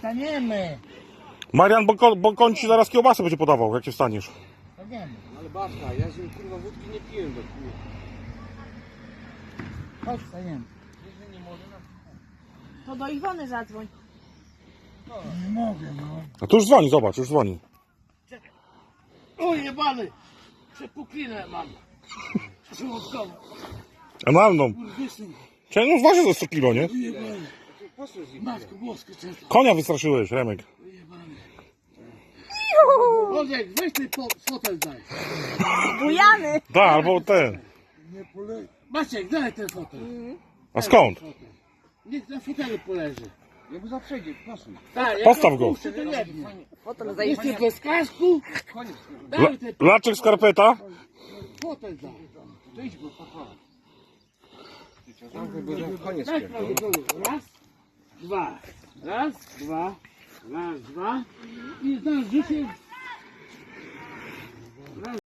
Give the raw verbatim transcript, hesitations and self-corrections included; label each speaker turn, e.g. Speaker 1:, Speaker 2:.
Speaker 1: Staniemy.
Speaker 2: Marian, bo, ko, bo koń ci zaraz kiełbasę będzie podawał, jak się wstaniesz.
Speaker 1: Staniemy.
Speaker 3: Ale babka, ja z nim kurwa wódki nie piję do chuja.
Speaker 1: Chodź, staniemy.
Speaker 4: To do Iwony zadzwoń.
Speaker 1: Nie mogę, no.
Speaker 2: A tu już dzwoni, zobacz, już dzwoni.
Speaker 1: O jebany! Przepuklinę mam. Żołądkową.
Speaker 2: A mam no.
Speaker 1: Kurwysyn.
Speaker 2: Czekaj, no waży za sto kilo, nie?
Speaker 1: Ujebany.
Speaker 3: Posłuchaj z nim.
Speaker 1: Matko boskie często.
Speaker 2: Konia wystraszyłeś, Remek.
Speaker 1: Ujebany. Oleg, weź ten po, fotel daj.
Speaker 4: Bujany.
Speaker 2: Da, albo ten.
Speaker 1: Nie polej. Maciek, daj ten fotel.
Speaker 2: A skąd?
Speaker 1: Niech na fotelu poleży.
Speaker 3: Ja mu zaprzejdzie, posłuchaj.
Speaker 1: Tak, jak
Speaker 2: Postaw
Speaker 1: go
Speaker 2: go.
Speaker 1: puszczę, to jebnie.
Speaker 4: Potem
Speaker 1: Jesteś bez kasku?
Speaker 3: Koniec.
Speaker 2: La,
Speaker 1: Daj ten
Speaker 2: laczek skarpeta?
Speaker 1: fotel daj.
Speaker 3: To idź go, papa. Zamknij, bo tam koniec
Speaker 1: Daj
Speaker 3: pierdolę.
Speaker 1: prawdę. Raz, dwa. Raz, dwa. Raz, dwa. I znasz życie.